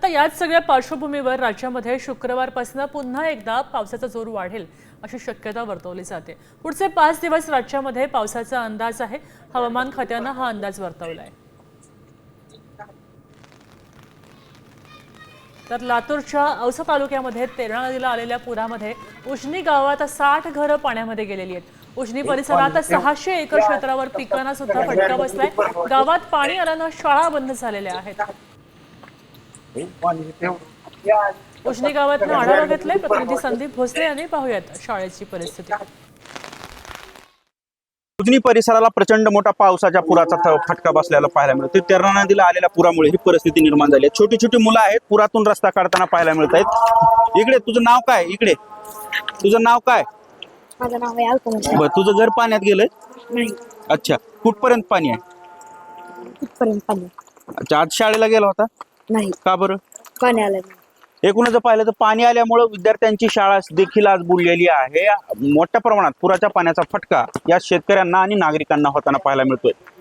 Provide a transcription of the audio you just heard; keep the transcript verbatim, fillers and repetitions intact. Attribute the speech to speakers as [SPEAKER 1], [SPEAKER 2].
[SPEAKER 1] आता याच सगळ्या पार्श्वभूमीवर राज्यामध्ये शुक्रवारपासून पुन्हा एकदा पावसाचा जोर वाढेल अशी शक्यता वर्तवली जाते। पुढचे पाच दिवस राज्यामध्ये पावसाचा अंदाज आहे। हवामान खात्यानं हा अंदाज वर्तवलाय। तर लातूरच्या औसा तालुक्यामध्ये तेरणा नदीला आलेल्या पुरामध्ये उजनी गावात साठ घरं पाण्यामध्ये गेलेली आहेत। उजनी परिसरात सहाशे एकर क्षेत्रावर पिकांना सुद्धा फटका बसलाय। गावात पाणी आल्यानं शाळा बंद झालेल्या आहेत। उजनी गावातनं आढावा घेतलाय प्रतिनिधी संदीप भोसले यांनी। पाहूयात शाळेची परिस्थिती।
[SPEAKER 2] उजनी परिसराला प्रचंड मोठा पावसाच्या पुराचा फटका बसलेला पाहायला मिळतो। तेरणा नदीला आलेल्या पुरामुळे ही परिस्थिती निर्माण झाली आहे। छोटी छोटी मुलं आहेत, पुरातून रस्ता काढताना पाहायला मिळत आहेत। इकडे तुझं नाव काय? इकडे तुझं नाव काय?
[SPEAKER 3] माझं नाव आहे अल्पना।
[SPEAKER 2] बरं, तुझं घर पाण्यात गेलंय?
[SPEAKER 3] नाही,
[SPEAKER 2] अच्छा, कुठपर्यंत पाणी आहे?
[SPEAKER 3] कुठपर्यंत पाणी?
[SPEAKER 2] अच्छा, आज शाळेला गेला होता?
[SPEAKER 3] नाही,
[SPEAKER 2] का बरं?
[SPEAKER 3] पाणी आलं नाही।
[SPEAKER 2] एकूणच जर पाहिलं तर पाणी आल्यामुळे विद्यार्थ्यांची शाळा देखील आज बुडलेली आहे। मोठ्या प्रमाणात पुराच्या पाण्याचा फटका या शेतकऱ्यांना आणि नागरिकांना होताना पाहायला मिळतोय।